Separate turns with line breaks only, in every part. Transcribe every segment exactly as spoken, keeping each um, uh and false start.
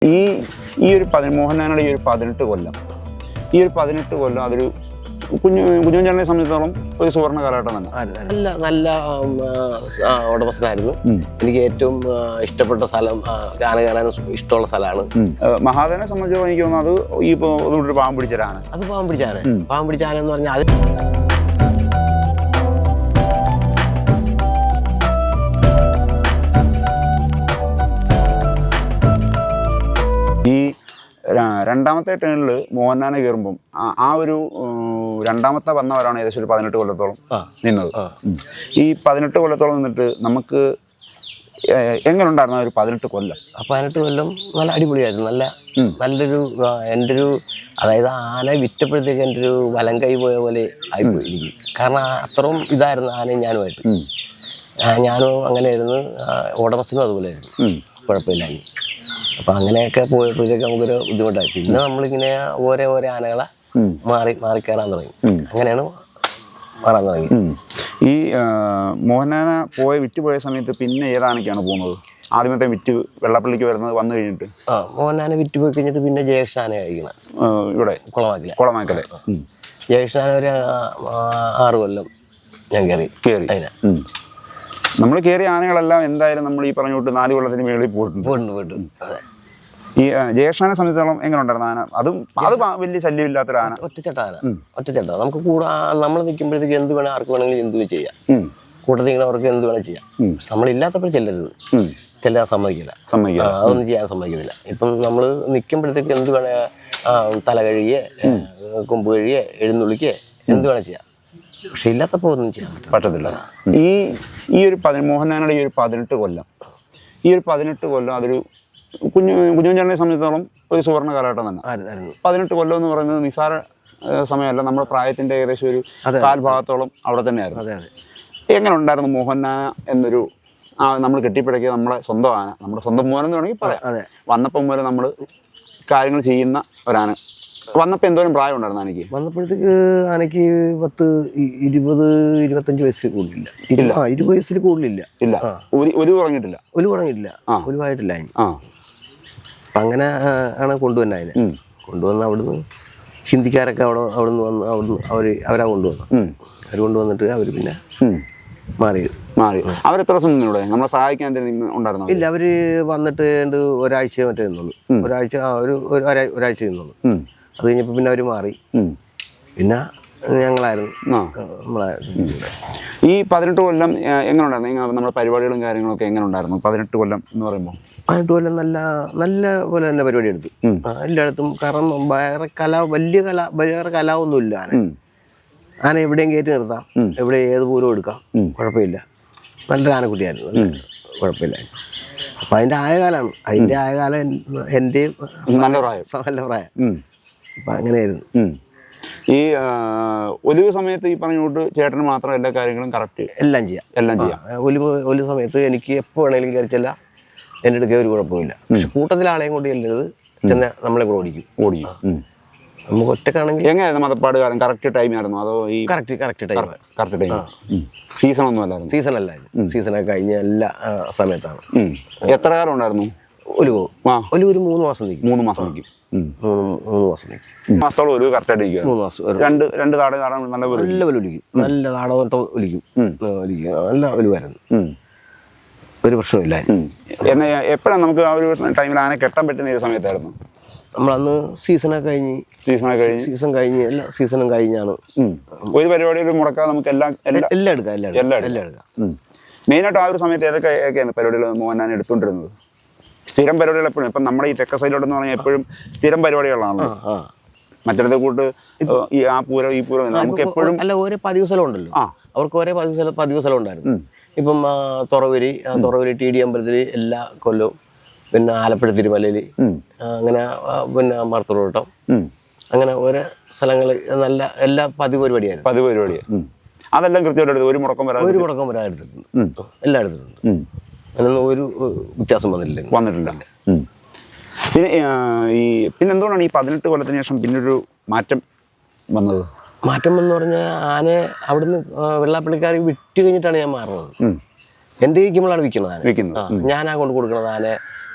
ഈ ഈ ഒരു പതി മോഹൻലാലിൻ്റെ ഈ ഒരു പതിനെട്ട് കൊല്ലം ഈ ഒരു പതിനെട്ട് കൊല്ലം അതൊരു കുഞ്ഞു കുഞ്ഞുചേട്ടനെ സംബന്ധിച്ചിടത്തോളം ഒരു സുവർണ്ണ കാലഘട്ടം തന്നെ.
നല്ല നല്ല ഉടമസ്ഥനായിരുന്നു. എനിക്ക് ഏറ്റവും ഇഷ്ടപ്പെട്ട സ്ഥലം ആന കാണാൻ ഇഷ്ടമുള്ള സ്ഥലമാണ്.
മഹാദേവനെ സംബന്ധിച്ചിടത്തോളം എനിക്ക് തോന്നുന്നു അത് ഈ ഇപ്പോൾ പാമ്പ് പിടിച്ചൊരാന
അത് പാമ്പ് പിടിച്ചാന പാമ്പ് പിടിച്ചാന എന്ന് പറഞ്ഞാൽ അത്
ഈ രണ്ടാമത്തെ ടേണിൽ മോഹൻലാലിനെ കയറുമ്പം ആ ഒരു രണ്ടാമത്തെ വന്നവരാണ് ഏകദേശം ഒരു പതിനെട്ട് കൊല്ലത്തോളം നിന്നത്. ഈ പതിനെട്ട് കൊല്ലത്തോളം നിന്നിട്ട് നമുക്ക് എങ്ങനെ ഉണ്ടായിരുന്നു ഒരു പതിനെട്ട് കൊല്ലം?
പതിനെട്ട് കൊല്ലം നല്ല അടിപൊളിയായിരുന്നു. നല്ല നല്ലൊരു എൻ്റെ ഒരു അതായത് ആന വിറ്റപ്പോഴത്തേക്ക് എൻ്റെ ഒരു വലം കൈ പോയ പോലെ ആയിപ്പോയി എനിക്ക്. കാരണം അത്രയും ഇതായിരുന്നു ആനയും ഞാനുമായിട്ട്. ഞാനും അങ്ങനെയായിരുന്നു, ഉടമസ്ഥനും അതുപോലെയായിരുന്നു, കുഴപ്പമില്ലായിരുന്നു. അപ്പം അങ്ങനെയൊക്കെ പോയപ്പോഴത്തേക്ക് നമുക്കൊരു ബുദ്ധിമുട്ടായി. പിന്നെ നമ്മളിങ്ങനെ ഓരോ ഓരോ ആനകളെ മാറി മാറി കയറാൻ തുടങ്ങി. അങ്ങനെയാണ് മാറാൻ തുടങ്ങി.
ഈ മോഹൻലാൽ പോയ വിറ്റ് പോയ സമയത്ത് പിന്നെ ഏതാനൊക്കെയാണ് പോകുന്നത്? ആദ്യമത്തെ വിറ്റ് വെള്ളപ്പള്ളിക്ക് വരുന്നത് വന്നു കഴിഞ്ഞിട്ട്
ആ മോഹൻലാലിനെ വിറ്റ് പോയി കഴിഞ്ഞിട്ട് പിന്നെ ജയകൃഷ്ണനെ കഴിക്കണം
ഇവിടെ
കുളമാക്കല
കുളമാക്കലെ
ജയകൃഷ്ണൻ ഒരു ആറ് കൊല്ലം ഞാൻ കയറി
കയറി
അതിനെ
നമ്മൾ കയറിയ ആനകളെല്ലാം എന്തായാലും നമ്മൾ ഈ പറഞ്ഞു വിട്ട് നാല് കൊല്ലത്തിന് മേളിൽ പോയിട്ടുണ്ട്
പോയിട്ടുണ്ട് പോയിട്ടുണ്ട് അതെ.
ഈ ജയകൃഷ്ണനെ സംബന്ധിച്ചോളം എങ്ങനെ ഉണ്ടായിരുന്നു ആന? അതും അത് വലിയ ശല്യമില്ലാത്തൊരു ആന,
ഒറ്റച്ചട്ട ആന, ഒറ്റച്ചട്ട. നമുക്ക് കൂടെ നമ്മൾ നിൽക്കുമ്പോഴത്തേക്ക് എന്ത് വേണം, ആർക്ക് വേണമെങ്കിലും എന്ത് ചെയ്യാം. കൂട്ടത്തിൽ അവർക്ക് എന്ത് വേണം ചെയ്യാം. നമ്മളില്ലാത്തപ്പോൾ ചെല്ലരുത്, ചെല്ലാൻ സമ്മതിക്കില്ല, സമ്മതിക്കില്ല അതൊന്നും ചെയ്യാൻ സമ്മതിക്കത്തില്ല. ഇപ്പം നമ്മൾ നിൽക്കുമ്പോഴത്തേക്ക് എന്ത് വേണേ തല കഴുകിയേ, കൊമ്പ് കഴുകിയേ, എഴുന്നള്ളിക്കേ, എന്ത് വേണം ചെയ്യാം. പക്ഷെ ഇല്ലാത്തപ്പോൾ ഒന്നും ചെയ്യാൻ
പറ്റത്തില്ല. ഈ ഈ ഒരു പതി മോഹൻലാലിൻ്റെ ഈ ഒരു പതിനെട്ട് കൊല്ലം ഈ ഒരു പതിനെട്ട് കൊല്ലം അതൊരു കുഞ്ഞു കുഞ്ഞുചേട്ടനെ സംബന്ധിച്ചിടത്തോളം ഒരു സുവർണ്ണ കാലഘട്ടം തന്നെ. പതിനെട്ട് കൊല്ലം എന്ന് പറയുന്നത് നിസ്സാര സമയമല്ല. നമ്മുടെ പ്രായത്തിൻ്റെ ഏകദേശം ഒരു കാൽഭാഗത്തോളം അവിടെ തന്നെയായിരുന്നു. എങ്ങനെ ഉണ്ടായിരുന്നു മോഹൻലാൽ എന്നൊരു ആ നമ്മൾ കെട്ടിപ്പിടക്കിയ നമ്മുടെ സ്വന്തം ആന, നമ്മുടെ സ്വന്തം മോഹൻ എന്ന് വേണമെങ്കിൽ പറയാം.
അതെ,
വന്നപ്പം മുതൽ നമ്മൾ കാര്യങ്ങൾ ചെയ്യുന്ന ഒരാന. വന്നപ്പോൾ എന്തോരം പ്രായം ഉണ്ടായിരുന്നു ആനയ്ക്ക്?
വന്നപ്പോഴത്തേക്ക് ആനയ്ക്ക് പത്ത് ഇരുപത് ഇരുപത്തഞ്ച് വയസ്സിൽ കൂടുതലില്ല. ഇല്ല, ഇരുപത് വയസ്സിൽ കൂടുതലില്ല.
ഇല്ല, ഒരു ഒരു തുടങ്ങിയിട്ടില്ല.
ഒരു തുടങ്ങിയിട്ടില്ല, ഒരുവായിട്ടില്ല അതിന്. അങ്ങനെ ആണ് കൊണ്ടുവന്നെ. അതിനെ കൊണ്ടുവന്ന് അവിടുന്ന് ഹിന്ദിക്കാരൊക്കെ അവിടെ അവിടുന്ന് വന്ന് അവിടുന്ന് അവർ അവരാ കൊണ്ടുവന്നു. അവർ കൊണ്ടുവന്നിട്ട് അവർ പിന്നെ മാറി
മാറി അവരെത്ര ദിവസം നിന്നൂടെ നമ്മളെ സഹായിക്കാൻ ഉണ്ടായിരുന്നു?
ഇല്ല, അവർ വന്നിട്ട് ഒരാഴ്ച മറ്റേ നിന്നുള്ളൂ. ഒരാഴ്ച ഒരു ഒരാഴ്ച നിന്നുള്ളൂ. അത് കഴിഞ്ഞപ്പോൾ പിന്നെ അവർ മാറി. പിന്നെ ഞങ്ങളായിരുന്നു നമ്മളെ.
ഈ പതിനെട്ട് കൊല്ലം എങ്ങനെ ഉണ്ടായിരുന്നു നമ്മുടെ പരിപാടികളും കാര്യങ്ങളൊക്കെ എങ്ങനെ ഉണ്ടായിരുന്നു? പതിനെട്ട് കൊല്ലം എന്ന് പറയുമ്പോൾ
പതിനെട്ട് കൊല്ലം നല്ല നല്ല പോലെ തന്നെ പരിപാടി എടുത്തു എല്ലായിടത്തും. കാരണം വേറെ കല വലിയ കല വേറെ കലാവൊന്നുമില്ല. ആന ആന എവിടെയും കയറ്റി നിർത്താം, എവിടെ ഏത് പൂരം എടുക്കാം, കുഴപ്പമില്ല. നല്ലൊരു ആനക്കുട്ടിയായിരുന്നു, കുഴപ്പമില്ല. അപ്പം അതിൻ്റെ ആയകാലമാണ്. അതിൻ്റെ ആയകാലം എൻ്റെയും
നല്ല പ്രായം
നല്ല പ്രായം. അപ്പം അങ്ങനെയായിരുന്നു.
ഈ ഒലിവ് സമയത്ത് ഈ പറഞ്ഞുകൊണ്ട് ചേട്ടന് മാത്രം എല്ലാ കാര്യങ്ങളും കറക്റ്റ്
എല്ലാം ചെയ്യാം എല്ലാം ചെയ്യാം ഒലിവ് ഒലിവ് സമയത്ത് എനിക്ക് എപ്പോൾ വേണമെങ്കിലും കയറിച്ചല്ല, എൻ്റെ അടുക്കേ ഒരു കുഴപ്പമില്ല. പക്ഷെ കൂട്ടത്തിലാളെയും കൊണ്ട് ചെല്ലരുത്, ചെന്ന് നമ്മളെ കൂടെ ഓടിക്കും ഓടിക്കും നമുക്ക് ഒറ്റക്കാണെങ്കിൽ.
എങ്ങനെയായിരുന്നു മതപ്പാട് കാലം? കറക്റ്റ് ടൈം ആയിരുന്നു അതോ ഈ
correct correct time
correct time season ഒന്നും അല്ലായിരുന്നു?
സീസൺ അല്ലായിരുന്നു, സീസണൊക്കെ കഴിഞ്ഞ എല്ലാ സമയത്താണ്.
എത്ര കാലം ഉണ്ടായിരുന്നു
ഒലിവോ? ഒലിവ് ഒരു മൂന്ന് മാസം നിൽക്കും.
മൂന്ന് മാസം നിൽക്കും
മൂന്ന് മാസം നിൽക്കും
മാസത്തോളം ഒരു കറക്റ്റായിട്ട് ഇരിക്കും.
മൂന്ന് മാസം
രണ്ട് രണ്ട് താട താട നല്ല
നല്ല പോലെ ഒലിക്കും, നല്ല താടോട്ടം ഒലിക്കും ഒലിക്കും നല്ല ഒലിവായിരുന്നു, ഒരു പ്രശ്നമില്ലായിരുന്നു.
എന്നാൽ എപ്പോഴാണ് നമുക്ക് ആ ഒരു ടൈമിൽ ആന കെട്ടാൻ പറ്റുന്ന ഏത് സമയത്തായിരുന്നു?
നമ്മളന്ന് സീസണൊക്കെ കഴിഞ്ഞ്
സീസണൊക്കെ കഴിഞ്ഞ്
സീസൺ കഴിഞ്ഞ് എല്ലാ സീസണും കഴിഞ്ഞാണ്
ഒരു പരിപാടിയിൽ മുടക്കാതെ നമുക്ക് എല്ലാം
എല്ലാം എടുക്കാം എല്ലാം എല്ലാം എല്ലാം എടുക്കാം.
മെയിനായിട്ട് ആ ഒരു സമയത്ത് ഏതൊക്കെയാണ് പരിപാടികൾ മോഹൻലാൽ എടുത്തുകൊണ്ടിരുന്നത്? സ്ഥിരം പരിപാടികൾ എപ്പോഴും ഇപ്പം നമ്മുടെ ഈ തെക്ക സൈഡിലോട്ടെന്ന് പറഞ്ഞാൽ എപ്പോഴും സ്ഥിരം പരിപാടികളാണല്ലോ. മറ്റേ കൂട്ട് ഈ ആ പൂരം ഈ പൂരം നമുക്ക് എപ്പോഴും
അല്ല, ഓരോ പതിവ് സ്ഥലം ഉണ്ടല്ലോ, അവർക്ക് ഓരോ പതിവ് സ്ഥലം പതിവ് സ്ഥലം ഉണ്ടായിരുന്നു. ഇപ്പം തുറവരി തുറവരി ടി ഡി അമ്പലത്തിൽ എല്ലാ കൊല്ലവും, പിന്നെ ആലപ്പുഴ തിരുമലയിൽ, അങ്ങനെ പിന്നെ മർത്തൂർവട്ടം, അങ്ങനെ ഓരോ സ്ഥലങ്ങൾ നല്ല എല്ലാ പതിവ് പരിപാടിയായിരുന്നു.
പതിവ് പരിപാടിയാണ് അതെല്ലാം കൃത്യമായിട്ട് ഒരു മുടക്കം വരാൻ
ഒരു മുടക്കം വരാൻ എടുത്തിട്ടുണ്ട്, എല്ലാം എടുത്തിട്ടുണ്ട്. അതിനൊന്നും ഒരു വ്യത്യാസം വന്നിട്ടില്ല
വന്നിട്ടില്ല പിന്നെ ഈ പിന്നെ എന്തുകൊണ്ടാണ് ഈ പതിനെട്ട് കൊല്ലത്തിന് ശേഷം പിന്നൊരു മാറ്റം വന്നത്?
മാറ്റം എന്ന് പറഞ്ഞാൽ ആനയെ അവിടുന്ന് വെള്ളാപ്പള്ളിക്കാർ വിറ്റ് കഴിഞ്ഞിട്ടാണ് ഞാൻ മാറുന്നത്. എൻ്റെ വിൽക്കുമ്പോഴാണ് വിൽക്കുന്നത് ആന.
വിൽക്കുന്നത്
ഞാനാ കൊണ്ട് കൊടുക്കുന്നത് ആനയെ.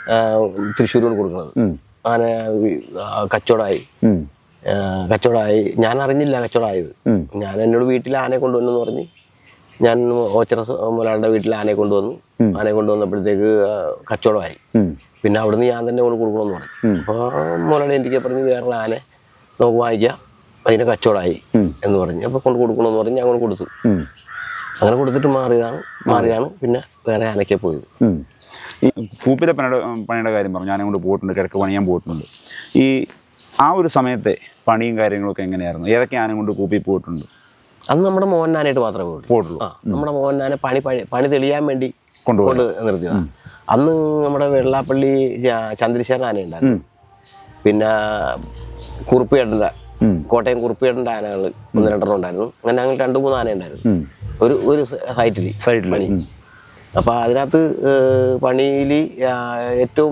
തൃശ്ശൂർ കൊണ്ട് കൊടുക്കുന്നത്. ആന കച്ചവടമായി കച്ചവടമായി ഞാൻ അറിഞ്ഞില്ല കച്ചവടമായത്. ഞാൻ എന്നോട് വീട്ടിൽ ആനയെ കൊണ്ടുവന്നെന്ന് പറഞ്ഞ് ഞാൻ ഓച്ചിറ മുതലാളിയുടെ വീട്ടിൽ ആനയെ കൊണ്ടുവന്നു. ആനയെ കൊണ്ടുവന്നപ്പോഴത്തേക്ക് കച്ചവടമായി. പിന്നെ അവിടുന്ന് ഞാൻ തന്നെ കൊണ്ട് കൊടുക്കണമെന്ന് പറഞ്ഞു. അപ്പോൾ മുതലാളി എനിക്ക് പറഞ്ഞ് വേറെ ആന നമുക്ക് വാങ്ങിക്കാം, അതിന് കച്ചവടമായി എന്ന് പറഞ്ഞ് അപ്പോൾ കൊണ്ട് കൊടുക്കണമെന്ന് പറഞ്ഞ് ഞാൻ കൊണ്ട് കൊടുത്തു. അങ്ങനെ കൊടുത്തിട്ട് മാറിയതാണ് മാറിയാണ് പിന്നെ വേറെ ആനയ്ക്ക് പോയത്.
ഈ കൂപ്പിലെ പണിയുടെ പണിയുടെ കാര്യം പറഞ്ഞു, ഞാനെ കൊണ്ട് പോയിട്ടുണ്ട്, കിഴക്ക് പണിയാൻ പോയിട്ടുണ്ട്. ഈ ആ ഒരു സമയത്തെ പണിയും കാര്യങ്ങളൊക്കെ എങ്ങനെയായിരുന്നു? ഏതൊക്കെ ആന കൊണ്ട് കൂപ്പി പോയിട്ടുണ്ട്?
അന്ന് നമ്മുടെ മോഹൻനാനായിട്ട് മാത്രമേ പോയിട്ടുള്ളൂ
പോയിട്ടുള്ളൂ
ആ നമ്മുടെ മോഹൻനാനെ പണി പണി പണി തെളിയാൻ വേണ്ടി കൊണ്ട് നിർത്തിയതാണ്. അന്ന് നമ്മുടെ വെള്ളാപ്പള്ളി ചന്ദ്രശേഖരൻ ആനയുണ്ടായിരുന്നു. പിന്നെ കുറുപ്പിയേട്ടൻ്റെ കോട്ടയം കുറുപ്പിയേട്ടൻ്റെ ആനകൾ ഒന്ന് രണ്ടെണ്ണം ഉണ്ടായിരുന്നു. അങ്ങനെ ഞങ്ങൾ രണ്ട് മൂന്ന് ആന ഉണ്ടായിരുന്നു ഒരു ഒരു സൈറ്റിൽ
സൈഡിൽ
പണി. അപ്പോൾ അതിനകത്ത് പണിയിൽ ഏറ്റവും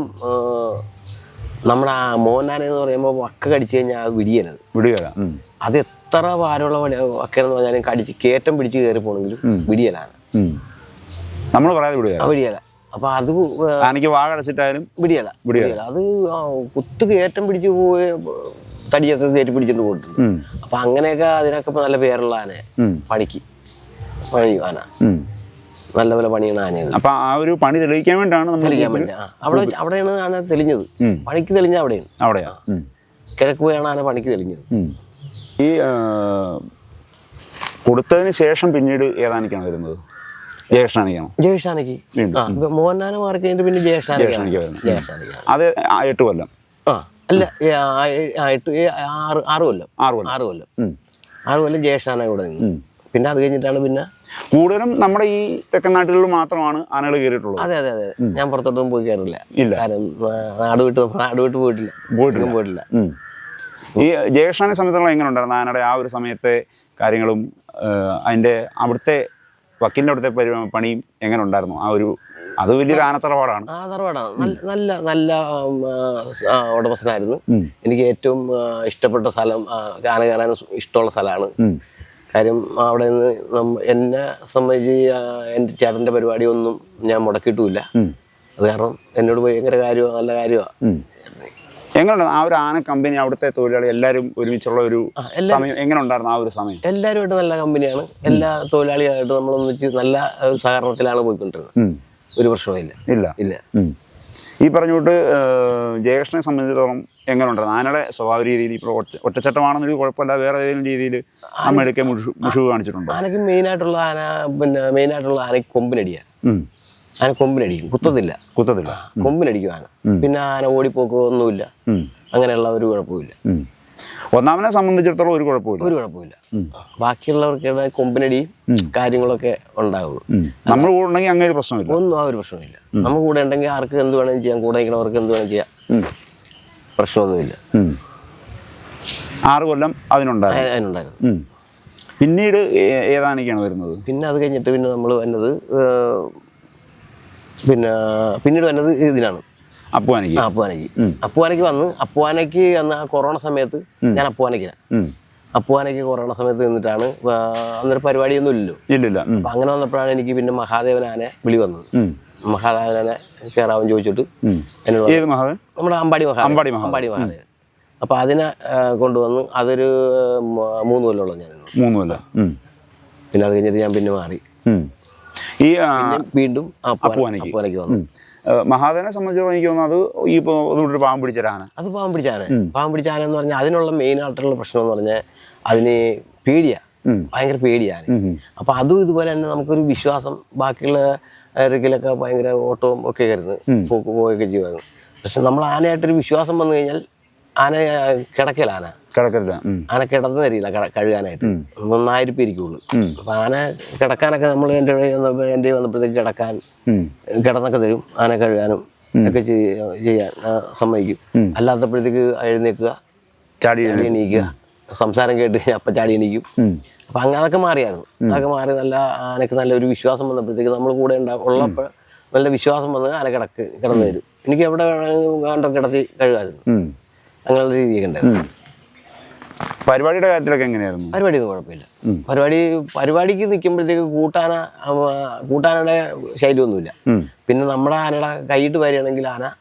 നമ്മുടെ ആ മോഹൻനാന എന്ന് പറയുമ്പോൾ വക്ക കടിച്ചു കഴിഞ്ഞാൽ വിടിയലത്
വിടിയല.
അത് എത്ര ഭാരമുള്ള വക്കയെന്ന് പറഞ്ഞാലും കടിച്ച് കയറ്റം പിടിച്ച് കയറി പോകണമെങ്കിലും വിടിയലാണ്.
നമ്മൾ പറയാതെ വിടുക
വിടിയല. അപ്പൊ അത്
ആനയ്ക്ക് വാ കടച്ചിട്ടായാലും
വിടിയല വിടിയല അത് കുത്ത് കയറ്റം പിടിച്ച് പോയി തടിയൊക്കെ കയറ്റി പിടിച്ചിട്ട് പോയിട്ടുണ്ട്. അപ്പൊ അങ്ങനെയൊക്കെ അതിനൊക്കെ നല്ല പേരുള്ള ആന പണിക്ക് പണി ആന നല്ല പോലെ പണിയാണ് ആനയാണ്.
അപ്പൊ ആ ഒരു പണി തെളിയിക്കാൻ വേണ്ടിയാണ് നമ്മൾ
തെളിയിക്കാൻ വേണ്ടി അവിടെ അവിടെയാണ് ആന തെളിഞ്ഞത്. പണിക്ക് തെളിഞ്ഞ അവിടെയാണ്
അവിടെയാ
കിഴക്ക് പോയാണ് ആന പണിക്ക് തെളിഞ്ഞത്.
ഈ കൊടുത്തതിന് ശേഷം പിന്നീട് ഏതാനിക്കാണ് വരുന്നത്? ജയേഷ്ഠാനിക്കാണോ?
ജയേഷ്ഠാനിക്ക് മോഹൻനാന മാറി കഴിഞ്ഞിട്ട് പിന്നെ ജയേഷ്ഠാനിക്ക് ജയേഷ്ഠാനിക്ക്
അത് എട്ട് കൊല്ലം
ആ അല്ല എട്ട് ആറ് ആറ് കൊല്ലം
ആറ് കൊല്ലം
ആറ് കൊല്ലം ആറ് കൊല്ലം ജയേഷ്ഠാന കൂടെ നിന്ന്. പിന്നെ അത് കഴിഞ്ഞിട്ടാണ് പിന്നെ
കൂടുതലും നമ്മുടെ ഈ തെക്കൻ നാട്ടുകളിൽ മാത്രമാണ് ആനകൾ കയറിയിട്ടുള്ളത്.
അതെ അതെ അതെ ഞാൻ പുറത്തോട്ടൊന്നും പോയി കയറില്ല.
ഇല്ല,
കാരണം നാട് വിട്ട് നാട് വിട്ട് പോയിട്ടില്ല പോയിട്ടില്ല പോയിട്ടില്ല
ഈ ജയേഷ്ഠാനെ സംബന്ധിച്ചുള്ള എങ്ങനെ ഉണ്ടായിരുന്നു ആനയുടെ ആ ഒരു സമയത്തെ കാര്യങ്ങളും അതിൻ്റെ അവിടുത്തെ വക്കീലിൻ്റെ അവിടുത്തെ പണിയും എങ്ങനെ ഉണ്ടായിരുന്നു? ആ ഒരു അത് വലിയൊരു ആന തറവാടാണ്.
ആ തറവാടാണ്. നല്ല നല്ല ഉടമസ്ഥനായിരുന്നു. എനിക്ക് ഏറ്റവും ഇഷ്ടപ്പെട്ട സ്ഥലം ആന കയറാൻ ഇഷ്ടമുള്ള സ്ഥലമാണ്. കാര്യം അവിടെ നിന്ന് എന്നെ സംബന്ധിച്ച് എൻ്റെ ചേട്ടൻ്റെ പരിപാടിയൊന്നും ഞാൻ മുടക്കിയിട്ടുമില്ല. അത് കാരണം എന്നോട് ഭയങ്കര കാര്യമാണ്, നല്ല കാര്യമാണ്.
എങ്ങനെയുണ്ട് ആ ഒരു ആന കമ്പനി, അവിടുത്തെ തൊഴിലാളി എല്ലാവരും ഒരുമിച്ചുള്ള ഒരു സമയം എങ്ങനെ ഉണ്ടായിരുന്നു? ആ ഒരു സമയം
എല്ലാവരുമായിട്ട് നല്ല കമ്പനിയാണ്. എല്ലാ തൊഴിലാളികളായിട്ട് നമ്മളൊന്നിച്ച് നല്ല ഒരു സഹകരണത്തിലാണ് പോയിക്കൊണ്ടിരുന്നത്. ഒരു പ്രശ്നമില്ല ഇല്ല ഇല്ല
ഈ പറഞ്ഞുകൊണ്ട് ജയേഷ്ഠനെ സംബന്ധിച്ചിടത്തോളം എങ്ങനെ ഉണ്ടായിരുന്നു ആനയുടെ സ്വഭാവ രീതിയിൽ? ഇപ്പോൾ ഒറ്റ ഒറ്റച്ചട്ടമാണെന്നൊരു കുഴപ്പമില്ല, വേറെ ഏതെങ്കിലും രീതിയിൽ അമ്മയൊക്കെ മുഷിവ് കാണിച്ചിട്ടുണ്ടോ?
ആനയ്ക്ക് മെയിനായിട്ടുള്ള ആന പിന്നെ മെയിനായിട്ടുള്ള ആനയ്ക്ക് കൊമ്പിനടിയാണ്. ആന കൊമ്പിനടിക്കും, കുത്തത്തില്ല
കുത്തത്തില്ല
കൊമ്പിനടിക്കും ആന. പിന്നെ ആന ഓടിപ്പോക്കോ ഒന്നുമില്ല, അങ്ങനെയുള്ള ഒരു കുഴപ്പമില്ല.
ഒന്നാമനെ സംബന്ധിച്ചിടത്തോളം ഒരു കുഴപ്പമില്ല
ഒരു കുഴപ്പമില്ല ബാക്കിയുള്ളവർക്ക് കൊമ്പിനടിയും കാര്യങ്ങളൊക്കെ ഉണ്ടാവുള്ളൂ.
നമ്മൾ കൂടെ ഉണ്ടെങ്കിൽ അങ്ങനെ ഒരു പ്രശ്നമില്ല,
ഒന്നും ആ ഒരു പ്രശ്നമില്ല. നമ്മൾ കൂടെ ഉണ്ടെങ്കിൽ ആർക്ക് എന്ത് വേണമെങ്കിലും ചെയ്യാം, കൂടെ നിൽക്കുന്നവർക്ക് എന്ത് വേണമെങ്കിലും ചെയ്യാം, പ്രശ്നമൊന്നുമില്ല.
ആറ് കൊല്ലം അതിനുണ്ടായിരുന്നു
അതിനുണ്ടായിരുന്നു
പിന്നീട് ഏതാനൊക്കെയാണ് വരുന്നത്?
പിന്നെ അത് കഴിഞ്ഞിട്ട് പിന്നെ നമ്മൾ വന്നത് പിന്നെ പിന്നീട് വന്നത് ഇതിനാണ്
അപ്പുവാനയ്ക്ക്.
അപ്പുവാനയ്ക്ക് അപ്പുവാനയ്ക്ക് വന്ന് അപ്പുവാനയ്ക്ക് അന്ന് കൊറോണ സമയത്ത് ഞാൻ അപ്പുവാനയ്ക്കാണ് അപ്പുവാനയ്ക്ക് കൊറോണ സമയത്ത് നിന്നിട്ടാണ്. അന്നൊരു പരിപാടിയൊന്നും ഇല്ലല്ലോ.
ഇല്ലില്ല.
അപ്പം അങ്ങനെ വന്നപ്പോഴാണ് എനിക്ക് പിന്നെ മഹാദേവനാനെ വിളി വന്നത്. മഹാദേവനാനെ കയറാവൻ ചോദിച്ചിട്ട് എന്നോട് നമ്മുടെ അമ്പാടി മഹാ അമ്പാടി അമ്പാടി മഹാദേവൻ. അപ്പം അതിനെ കൊണ്ടുവന്ന് അതൊരു മൂന്ന് കൊല്ലമുള്ള ഞാൻ
മൂന്ന് കൊല്ലം.
പിന്നെ അത് കഴിഞ്ഞിട്ട് ഞാൻ പിന്നെ മാറി
ഈ
വീണ്ടും അപ്പുവാനയ്ക്ക് അപ്പുവാനയ്ക്ക് വന്നു.
മഹാദേവനെ സംബന്ധിച്ചോളം എനിക്ക് തോന്നുന്നു അത് ഈ ഇപ്പോൾ പാവം പിടിച്ചൊരാന.
അത് പാവം പിടിച്ചാന പാവം പിടിച്ചാന എന്ന് പറഞ്ഞാൽ അതിനുള്ള മെയിൻ ആയിട്ടുള്ള പ്രശ്നം എന്ന് പറഞ്ഞാൽ അതിന് പേടിയാണ്, ഭയങ്കര പേടിയാണ്. അപ്പം അതും ഇതുപോലെ തന്നെ നമുക്കൊരു വിശ്വാസം ബാക്കിയുള്ള ഇറക്കിലൊക്കെ ഭയങ്കര ഓട്ടവും ഒക്കെ ആയിരുന്നു, പോക്ക് പോവുകയൊക്കെ ചെയ്യുമായിരുന്നു. പക്ഷെ നമ്മൾ ആനയായിട്ടൊരു വിശ്വാസം വന്നു കഴിഞ്ഞാൽ ആന കിടക്കല ആന
കിടക്കില്ല
ആന കിടന്നു തരില്ല കഴുകാനായിട്ട്. ഒന്നായിരം ഇരിക്കുള്ളൂ. അപ്പം ആന കിടക്കാനൊക്കെ നമ്മൾ എൻ്റെ എൻ്റെ വന്നപ്പോഴത്തേക്ക് കിടക്കാൻ കിടന്നൊക്കെ തരും. ആന കഴുകാനും ഒക്കെ ചെയ്യാൻ സമ്മതിക്കും. അല്ലാത്തപ്പോഴത്തേക്ക് എഴുന്നേൽക്കുക, ചാടി എണീക്കുക, സംസാരം കേട്ട് അപ്പം ചാടി എണീക്കും. അപ്പം അങ്ങനെ അതൊക്കെ മാറിയായിരുന്നു. അതൊക്കെ മാറി നല്ല ആനക്ക് നല്ലൊരു വിശ്വാസം വന്നപ്പോഴത്തേക്ക് നമ്മൾ കൂടെ ഉണ്ടാകും ഉള്ളപ്പോൾ നല്ല വിശ്വാസം വന്ന് ആന കിടക്ക് കിടന്നു തരും. എനിക്ക് എവിടെ വേണമെങ്കിലും വേണ്ട കിടത്തി കഴുകായിരുന്നു. അങ്ങനെയുള്ള രീതിയൊക്കെ ഉണ്ടായിരുന്നു.
പരിപാടിയുടെ കാര്യത്തിലൊക്കെ എങ്ങനെയായിരുന്നു?
പരിപാടിയൊന്നും കുഴപ്പമില്ല. പരിപാടി പരിപാടിക്ക് നിൽക്കുമ്പോഴത്തേക്ക് കൂട്ടാന കൂട്ടാനയുടെ ശൈലിയൊന്നുമില്ല. പിന്നെ നമ്മുടെ ആനയുടെ കൈയിട്ട് വരികയാണെങ്കിൽ ആന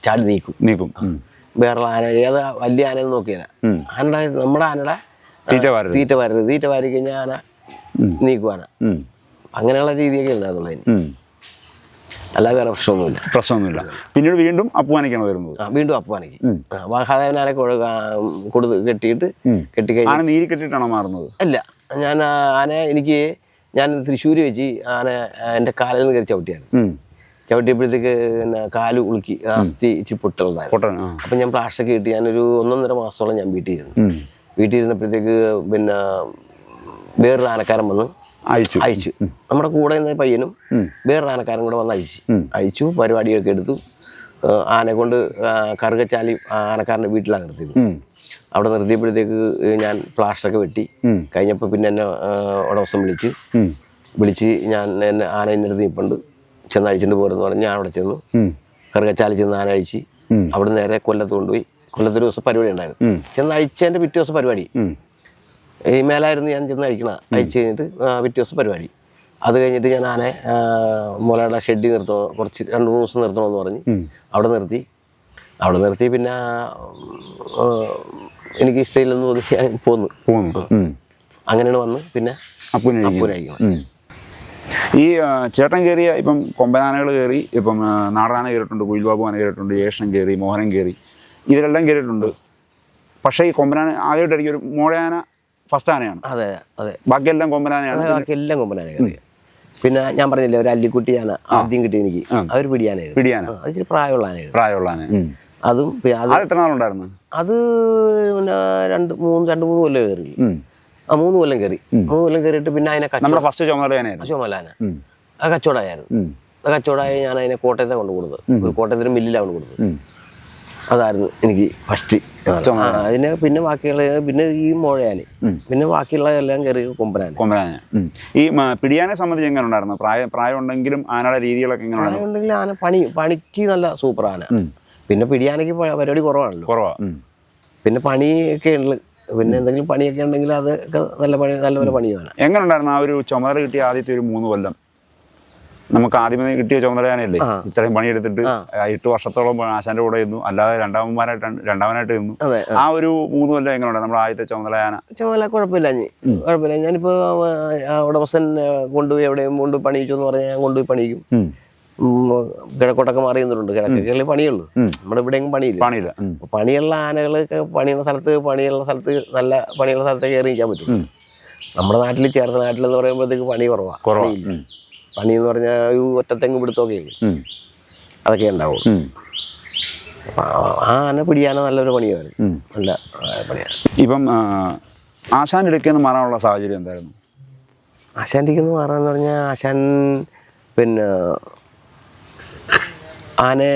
ചാടി നീക്കും
നീക്കും
വേറെ ആന ഏത് വലിയ ആനയെന്ന് നോക്കിയാൽ ആനയുടെ നമ്മുടെ ആനയുടെ
തീറ്റ വാരരുത്
തീറ്റ വാരരുത് തീറ്റ വാരി കഴിഞ്ഞാൽ ആന നീക്കും ആന അങ്ങനെയുള്ള രീതിയൊക്കെ ഉണ്ടായിരുന്നുള്ളതിന് അല്ലാതെ വേറെ പ്രശ്നമൊന്നുമില്ല
പ്രശ്നമൊന്നുമില്ല പിന്നീട് വീണ്ടും അപ്പുവാനയ്ക്കാണ് വരുന്നത്
ആ വീണ്ടും അപ്പുവാനയ്ക്ക് മഹാദേവനാനെ കൊടുത്ത് കെട്ടിയിട്ട് കെട്ടിക്കഴിഞ്ഞ്
ആന നീരി കെട്ടിയിട്ടാണോ മാറുന്നത്
അല്ല ഞാൻ ആന എനിക്ക് ഞാൻ തൃശ്ശൂർ വെച്ച് ആന എൻ്റെ കാലിൽ നിന്ന് കയറി ചവിട്ടിയാണ് ചവിട്ടിയപ്പോഴത്തേക്ക് പിന്നെ കാല് ഉളുക്കി അസ്ഥി ഇച്ചിരി പൊട്ടുണ്ടായിരുന്നു അപ്പം ഞാൻ പ്ലാസ്റ്റൊക്കെ കിട്ടി ഞാനൊരു ഒന്നൊന്നര മാസത്തോളം ഞാൻ വീട്ടിൽ ഇരുന്നു വീട്ടിൽ ഇരുന്നപ്പോഴത്തേക്ക് പിന്നെ വേറൊരു ആനക്കാരൻ വന്ന്
അയച്ചു
അയച്ചു നമ്മുടെ കൂടെ നിന്ന് പയ്യനും വേറൊരു ആനക്കാരൻ കൂടെ വന്ന് അയച്ചു അയച്ചു പരിപാടിയൊക്കെ എടുത്തു ആനെ കൊണ്ട് കറുകച്ചാലി ആനക്കാരൻ്റെ വീട്ടിലാണ് നിർത്തിയത് അവിടെ നിർത്തിയപ്പോഴത്തേക്ക് ഞാൻ പ്ലാസ്റ്ററൊക്കെ വെട്ടി കഴിഞ്ഞപ്പോൾ പിന്നെ എന്നെ ഉടമസ്ഥൻ വിളിച്ച് വിളിച്ച് ഞാൻ എന്നെ ആന എൻ്റെ അടുത്ത് നിൽപ്പുണ്ട് ചെന്ന് അഴിച്ചിട്ട് പോരെന്ന് പറഞ്ഞ് ഞാൻ അവിടെ ചെന്നു കറുകച്ചാലി ചെന്ന് ആന അഴിച്ച് അവിടെ നേരെ കൊല്ലത്ത് കൊണ്ടുപോയി കൊല്ലത്തൊരു ദിവസം പരിപാടി ഉണ്ടായിരുന്നു ചെന്ന് അഴിച്ചതിൻ്റെ പിറ്റേ ദിവസം പരിപാടി ഈ മേലായിരുന്നു ഞാൻ ചെന്ന് അഴിക്കണ അഴിച്ച് കഴിഞ്ഞിട്ട് പിറ്റേ ദിവസം പരിപാടി അത് കഴിഞ്ഞിട്ട് ഞാൻ ആനെ മുലയുടെ ഷെഡിൽ നിർത്തണോ കുറച്ച് രണ്ട് മൂന്ന് ദിവസം നിർത്തണമെന്ന് പറഞ്ഞ് അവിടെ നിർത്തി അവിടെ നിർത്തി പിന്നെ എനിക്ക് ഇഷ്ടമില്ലെന്ന് തോന്നി ഞാൻ പോന്നു
പോന്നു
അങ്ങനെയാണ് വന്ന് പിന്നെ അപ്പൂനഴിക്കണം
ഈ ചേട്ടൻ കയറിയ ഇപ്പം കൊമ്പനാനകൾ കയറി ഇപ്പം നാടനാന കയറിയിട്ടുണ്ട് കുയിൽബാബു ആന കയറിയിട്ടുണ്ട് യേശൻ കയറി മോഹനൻ കയറി ഇതിലെല്ലാം കയറിയിട്ടുണ്ട് പക്ഷേ ഈ കൊമ്പനാന ആദ്യമായിട്ടായിരിക്കും ഒരു മോഴയാന ഫസ്റ്റ് ആനയാണ്
അതെ അതെ
ബാക്കിയെല്ലാം കൊമ്പനാനയാണ്
ബാക്കിയെല്ലാം കൊമ്പനാന കയറി പിന്നെ ഞാൻ പറഞ്ഞില്ലേ ഒരു അല്ലിക്കുട്ടി ആന ആദ്യം കിട്ടി എനിക്ക് അതൊരു പിടിയാനായിരുന്നു
പിടിയാന
അത് ഇച്ചിരി പ്രായമുള്ള ആനയായിരുന്നു
പ്രായമുള്ള ആന
അതും
അത് എത്ര നാളുണ്ടായിരുന്നു
അത് പിന്നെ രണ്ട് മൂന്ന് രണ്ട് മൂന്ന് കൊല്ലം കയറി ആ മൂന്ന് കൊല്ലം കയറി മൂന്ന് കൊല്ലം കയറിയിട്ട് പിന്നെ അതിനെ
നമ്മുടെ ഫസ്റ്റ് ചുമതലയാനായിരുന്നു
ചുമലാന അത് കച്ചവടമായിരുന്നു അത് കച്ചവടമായി ഞാൻ അതിനെ കോട്ടയത്തെ കൊണ്ട് കൊടുത്തത് ഒരു കോട്ടയത്തിന് മില്ലിലാണ് കൊണ്ട് കൊടുത്തത് അതായിരുന്നു എനിക്ക് ഫസ്റ്റ് അതിന് പിന്നെ ബാക്കിയുള്ള പിന്നെ ഈ മോഴയാന് പിന്നെ ബാക്കിയുള്ള എല്ലാം കയറി കൊമ്പനാന്
കൊമ്പനാന ഈ പിടിയാനെ സംബന്ധിച്ച് എങ്ങനെ ഉണ്ടായിരുന്നു പ്രായം പ്രായം ഉണ്ടെങ്കിലും ആനയുടെ രീതികളൊക്കെ എങ്ങനെ
പ്രായം ഉണ്ടെങ്കിൽ ആന പണി പണിക്ക് നല്ല സൂപ്പർ ആന പിന്നെ പിടിയാനയ്ക്ക് പരിപാടി കുറവാണല്ലോ
കുറവാ
പിന്നെ പണിയൊക്കെ ഉണ്ട് പിന്നെ എന്തെങ്കിലും പണിയൊക്കെ ഉണ്ടെങ്കിൽ അതൊക്കെ നല്ല പണി നല്ലപോലെ പണിയാണ്
എങ്ങനെ ഉണ്ടായിരുന്നു ആ ഒരു ചുമതല കിട്ടിയ ആദ്യത്തെ ഒരു മൂന്ന് കൊല്ലം നമുക്ക് ആദ്യമേ കിട്ടിയ ചുമതലയാനല്ലേ ഇത്രയും പണിയെടുത്തിട്ട് എട്ട് വർഷത്തോളം ആശാന്റെ കൂടെ ഇരുന്നു അല്ലാതെ രണ്ടാമന്മാരായിട്ട് രണ്ടാമനായിട്ട് ഇരുന്നു ആ ഒരു മൂന്ന് കൊല്ലം എങ്ങനെ ഉണ്ടായിരുന്നു നമ്മുടെ ആദ്യത്തെ ചുമതലയാന
ചുമതല കുഴപ്പമില്ല കുഴപ്പമില്ല ഞാനിപ്പോ ഉടമസ്ഥൻ കൊണ്ടുപോയി എവിടെയും കൊണ്ട് പണിയിച്ചു എന്ന് പറഞ്ഞാൽ ഞാൻ കൊണ്ടുപോയി പണിയിക്കും കിഴക്കോട്ടൊക്കെ മാറി നിന്നിട്ടുണ്ട് കിഴക്കൊക്കെ പണിയുള്ളൂ നമ്മുടെ ഇവിടെയെങ്കിലും പണിയില്ല
പണിയില്ല
പണിയുള്ള ആനകളൊക്കെ പണിയുള്ള സ്ഥലത്ത് പണിയുള്ള സ്ഥലത്ത് നല്ല പണിയുള്ള സ്ഥലത്തേക്ക് കയറി നിൽക്കാൻ പറ്റും നമ്മുടെ നാട്ടിൽ ചേർത്ത നാട്ടിലെന്ന് പറയുമ്പോഴത്തേക്ക് പണി കുറവാണ് കുറവില്ല പണി എന്ന് പറഞ്ഞാൽ ഈ ഒറ്റത്തെങ്ങ് പിടുത്തമൊക്കെ അതൊക്കെ ഉണ്ടാവും ആ ആന പിടിയാന നല്ലൊരു പണിയാണ് നല്ല പണിയാണ്
ഇപ്പം ആശാൻ്റെ ഇടയ്ക്ക് മാറാനുള്ള സാഹചര്യം എന്തായിരുന്നു
ആശാൻ്റെ ഇടയ്ക്ക് മാറാന്ന് പറഞ്ഞാൽ ആശാൻ പിന്നെ ആനെ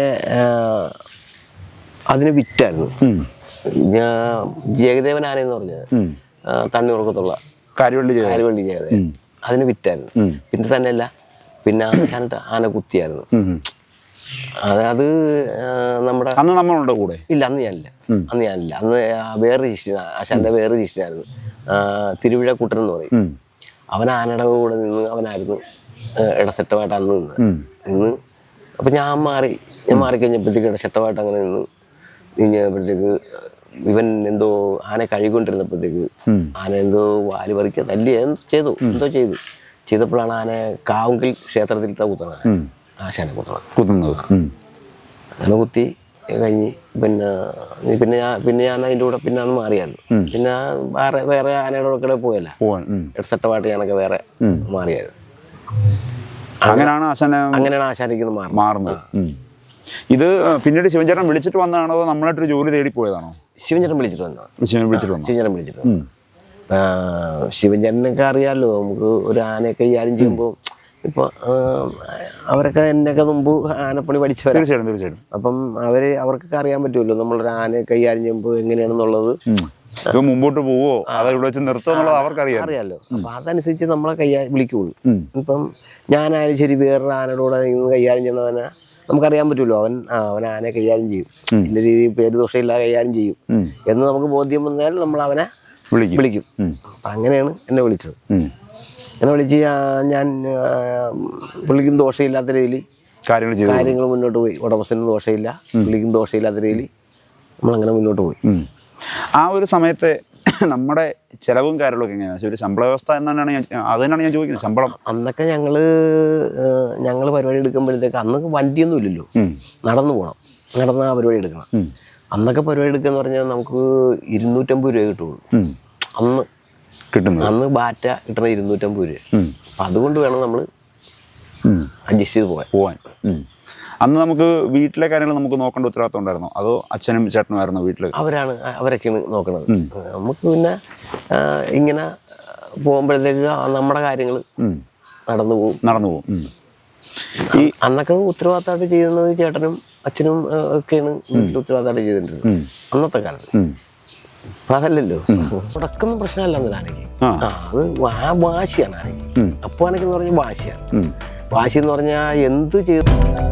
അതിന് വിറ്റായിരുന്നു ഞാൻ ജഗദേവൻ ആനയെന്ന് പറഞ്ഞത് തണ്ണീർക്കത്തുള്ള
കാര്യവള്ളി
കാര്യവള്ളി ജഗദേവൻ അതിന് വിറ്റായിരുന്നു പിന്നെ തന്നെയല്ല പിന്നെ ആശാനിട്ട് ആന കുത്തിയായിരുന്നു അത് അത് നമ്മുടെ
അന്ന് നമ്മളുണ്ട് കൂടെ
ഇല്ല അന്ന് ഞാനില്ല അന്ന് ഞാനില്ല അന്ന് വേറെ ശിഷ്യനാ ആശാന്റെ വേറെ ശിഷ്യനായിരുന്നു തിരുവിഴ കുട്ടൻ എന്ന് പറയും അവൻ ആനയുടെ കൂടെ നിന്ന് അവനായിരുന്നു ഇടസെറ്റമായിട്ട് അന്ന് നിന്ന് നിന്ന് അപ്പം ഞാൻ മാറി ഞാൻ മാറിക്കഴിഞ്ഞപ്പോഴത്തേക്ക് ഇടസെറ്റമായിട്ട് അങ്ങനെ നിന്ന് കഴിഞ്ഞപ്പോഴത്തേക്ക് ഇവൻ എന്തോ ആന കഴുകൊണ്ടിരുന്നപ്പോഴത്തേക്ക് ആന എന്തോ വാല് പറിക്കുക തല്ലി എന്തോ ചെയ്തു എന്തോ ചെയ്തു ചെയ്തപ്പോഴാണ് ആന കാവുങ്കിൽ ക്ഷേത്രത്തിലിട്ട കുത്തണത് ആശാനെ കുത്തണം
കുത്തുന്നത്
അങ്ങനെ കുത്തി കഴിഞ്ഞ് പിന്നെ പിന്നെ ഞാൻ പിന്നെ ഞാൻ അതിൻ്റെ കൂടെ പിന്നെ അന്ന് മാറിയായിരുന്നു പിന്നെ വേറെ വേറെ ആനയുടെ കൂടെ പോയല്ല ഇടസെറ്റമായിട്ട് ഞാനൊക്കെ വേറെ മാറിയായിരുന്നു
അങ്ങനെയാണ് ആശാന
അങ്ങനെയാണ് ആശാനിക്ക്
മാറുന്നത് ഇത് പിന്നീട് ശിവൻചേട്ടൻ വിളിച്ചിട്ട് വന്നതാണോ അതോ നമ്മളായിട്ടൊരു ജോലി തേടി പോയതാണോ
ശിവൻചേട്ടൻ വിളിച്ചിട്ട് വന്നതാണ്
വിളിച്ചിട്ട് വന്നു
ശിവൻചേട്ടൻ വിളിച്ചിട്ട് വന്നു ശിവൻചേട്ടനൊക്കെ അറിയാമല്ലോ നമുക്ക് ഒരു ആനയൊക്കെ കൈകാര്യം ചെയ്യുമ്പോൾ ഇപ്പൊ അവരൊക്കെ എന്നൊക്കെ മുമ്പ് ആനപ്പണി പഠിച്ചവരാ
തീർച്ചയായിട്ടും തീർച്ചയായിട്ടും
അപ്പം അവര് അവർക്കൊക്കെ അറിയാൻ പറ്റുമല്ലോ നമ്മളൊരു ആനയെ കൈകാര്യം ചെയ്യുമ്പോൾ എങ്ങനെയാണെന്നുള്ളത്
ഇപ്പൊ മുമ്പോട്ട് പോവോ അത് ഇവിടെ വെച്ച് നിർത്തുമോ എന്നുള്ളത് അവർക്കറിയാം
അറിയാമല്ലോ അപ്പൊ അതനുസരിച്ച് നമ്മളെ കൈകാ വിളിക്കുള്ളൂ ഇപ്പം ഞാനായാലും ശരി വേറൊരു ആനയുടെ കൂടെ നിന്ന് കൈകാര്യം ചെയ്യണവനെ നമുക്കറിയാൻ പറ്റുമല്ലോ അവൻ അവൻ ആനയെ കൈകാര്യം ചെയ്യും ഇന്ന രീതിയിൽ പേര് ദോഷമില്ലാതെ കൈകാര്യം ചെയ്യും എന്ന് നമുക്ക് ബോധ്യം വന്നാൽ നമ്മൾ അവനെ വിളിക്കും അപ്പം അങ്ങനെയാണ് എന്നെ വിളിച്ചത് എന്നെ വിളിച്ച് ഞാൻ പുള്ളിക്കും ദോഷമില്ലാത്ത രീതിയിൽ
കാര്യങ്ങൾ ചെയ്തു
കാര്യങ്ങൾ മുന്നോട്ട് പോയി. ഉടമസ്ഥനും ദോഷമില്ല, പുള്ളിക്കും ദോഷമില്ലാത്ത രീതിയിൽ നമ്മളങ്ങനെ മുന്നോട്ട് പോയി.
ആ ഒരു സമയത്ത് നമ്മുടെ ചിലവും കാര്യങ്ങളൊക്കെ എങ്ങനെയാണ്? ഒരു ശമ്പള വ്യവസ്ഥ എന്നാണ് ഞാൻ അത് തന്നെയാണ് ഞാൻ ചോദിക്കുന്നത്. ശമ്പളം
അന്നൊക്കെ ഞങ്ങൾ ഞങ്ങൾ പരിപാടി എടുക്കുമ്പോഴത്തേക്ക് അന്നൊക്കെ വണ്ടിയൊന്നും ഇല്ലല്ലോ, നടന്നു പോകണം, നടന്ന് ആ പരിപാടി എടുക്കണം. അന്നൊക്കെ പരിപാടി എടുക്കുക എന്ന് പറഞ്ഞാൽ നമുക്ക് ഇരുന്നൂറ്റമ്പത് രൂപ കിട്ടുള്ളൂ അന്ന്
കിട്ടുന്നത്.
അന്ന് ബാറ്റ കിട്ടണ ഇരുന്നൂറ്റമ്പത് രൂപ. അപ്പം അതുകൊണ്ട് വേണം നമ്മൾ അഡ്ജസ്റ്റ് ചെയ്ത് പോകാൻ
പോകാൻ അന്ന് നമുക്ക് വീട്ടിലെ കാര്യങ്ങൾ നമുക്ക് നോക്കേണ്ട ഉത്തരവാദിത്വം ഉണ്ടായിരുന്നോ, അതോ അച്ഛനും ചേട്ടനുമായിരുന്നോ വീട്ടിൽ?
അവരാണ് അവരൊക്കെയാണ് നോക്കണത്. നമുക്ക് പിന്നെ ഇങ്ങനെ പോകുമ്പോഴത്തേക്ക് നമ്മുടെ കാര്യങ്ങൾ നടന്നു പോകും നടന്നു പോകും ഈ അന്നൊക്കെ ഉത്തരവാദിത്തമായിട്ട് ചെയ്യുന്നത് ചേട്ടനും അച്ഛനും ഒക്കെയാണ് വീട്ടിൽ ഉത്തരവാദിത്തമായിട്ട് ചെയ്തിട്ടുള്ളത് അന്നത്തെ കാലത്ത്. അതല്ലല്ലോ, തുടക്കൊന്നും പ്രശ്നമല്ല ആനയ്ക്ക്. ആ അത് വാശിയാണ് ആനയ്ക്ക്. അപ്പൊ ആനയ്ക്ക് എന്ന് പറഞ്ഞാൽ വാശിയാണ്. വാശി എന്ന് പറഞ്ഞാൽ എന്ത് ചെയ്തു